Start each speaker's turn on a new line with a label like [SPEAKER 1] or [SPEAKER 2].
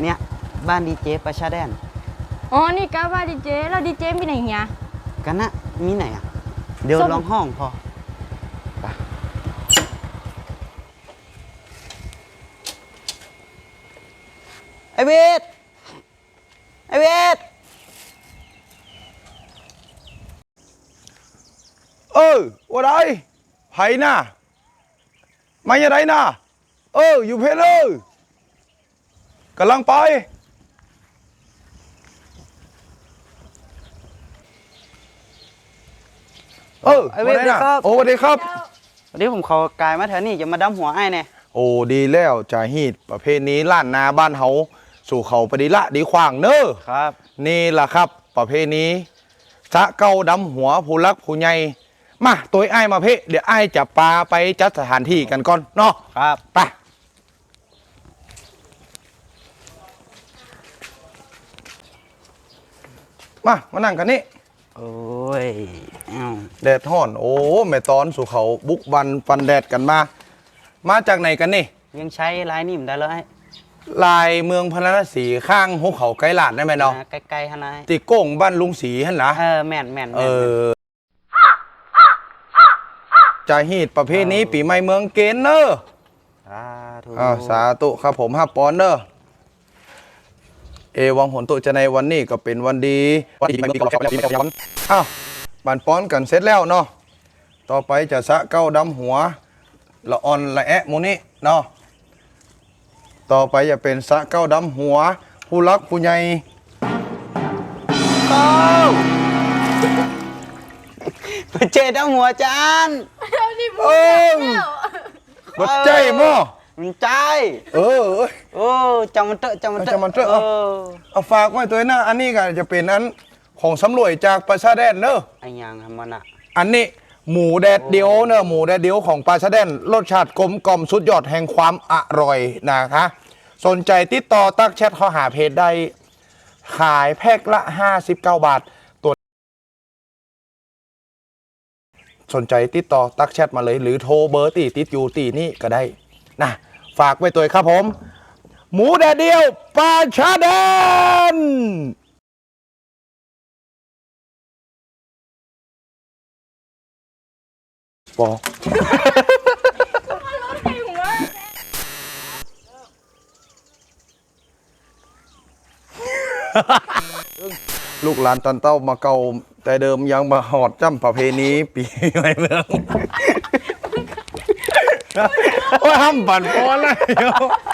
[SPEAKER 1] เนี่ยบ้านดีเจประชาแดน
[SPEAKER 2] อ๋อนี่กะว่าดีเจแล้วดีเจมีไหนเฮีย
[SPEAKER 1] กันนะมีไหนอ่ะเดี๋ยวลองห้องพอไปไอเวทไอเวท
[SPEAKER 3] ว่าไรไผ่น่ะมาอย่างไรน่ะอยู่เพลเลยกำลังไป
[SPEAKER 1] ไอเวทครับ
[SPEAKER 3] สวัสดีครับ
[SPEAKER 1] วันนี้ผมเขากายมาแถวนี้จะมาดำหัวไอ้เนี่ย
[SPEAKER 3] ดีแล้วจ่าฮีดประเภทนี้ล้านนาบ้านเฮาสู่เขาไปดีละดีขวางเนอะ
[SPEAKER 1] ครับ
[SPEAKER 3] นี่แหละครับประเภทนี้สะเก้าดำหัวผู้รักผู้ใหญ่มาตัวไอ้มาเพ่เดี๋ยวไอ้จะปาไปจัดสถานที่กันก่อนเนาะ
[SPEAKER 1] ครับ
[SPEAKER 3] ไปมานั่งกันนี่
[SPEAKER 1] โอ้ย
[SPEAKER 3] แดดห่อนแม่ตอนสู่เขาบุกบันฟันแดดกันมาจากไหนกันนี่
[SPEAKER 1] ยังใช้ลายนิ่มได้เลย
[SPEAKER 3] ลายเมืองพระนครศรีข้างหุบเขาไกลหลาดได้ไหมเนาะ
[SPEAKER 1] ไกลๆฮะนาย
[SPEAKER 3] ติโก้งบ้านลุงศรีฮั่นนะ
[SPEAKER 1] แม่น
[SPEAKER 3] จะฮีดประเภทนี้ปีใหม่เมืองเกณฑ์เนอะสาธุครับผม5 ปอนด์เนอะวังหนตุจะในวันนี้ก็เป็นวันดีวันดีมีกรอบแก้วปีย้อนบันป้อนกันเสร็จแล้วเนาะต่อไปจะสะเก้าดำหัวละอ่อนละแอะโมนี่เนาะต่อไปจะเป็นสะเก้าดำหัวผู้รักผู้ใหญ่
[SPEAKER 1] ไปเจดำหัวจาน
[SPEAKER 3] บัดใจมั้ง
[SPEAKER 1] มันใจจำมันเตอะ
[SPEAKER 3] เอาฝากไว้ตัวหน้าอันนี้ก็จะเป็นอันของสำรวยจากปลาชาแดนเนอะ
[SPEAKER 1] ไอ้ยังทำมันอ่ะ
[SPEAKER 3] อันนี้หมูแดดเดียวเนอะหมูแดดเดียวของปลาชาแดนรสชาติกลมกล่อมสุดยอดแห่งความอร่อยนะคะสนใจติดต่อตักแชทเข้าหาเพจได้ขายแพ็คละ59 บาทตัวสนใจติดต่อตักแชทมาเลยหรือโทรเบอร์ติดอยู่ตีนี่ก็ได้นะฝากไว้ตัวครับผมหมูแดดเดียวปลาชาแดนบอกลูกหลานตันเต้ามาเก่าแต่เดิมยังมาหอดจ้ำประเพณีปีใหม่เมืองว่าห้ามปั่นป้อนเลย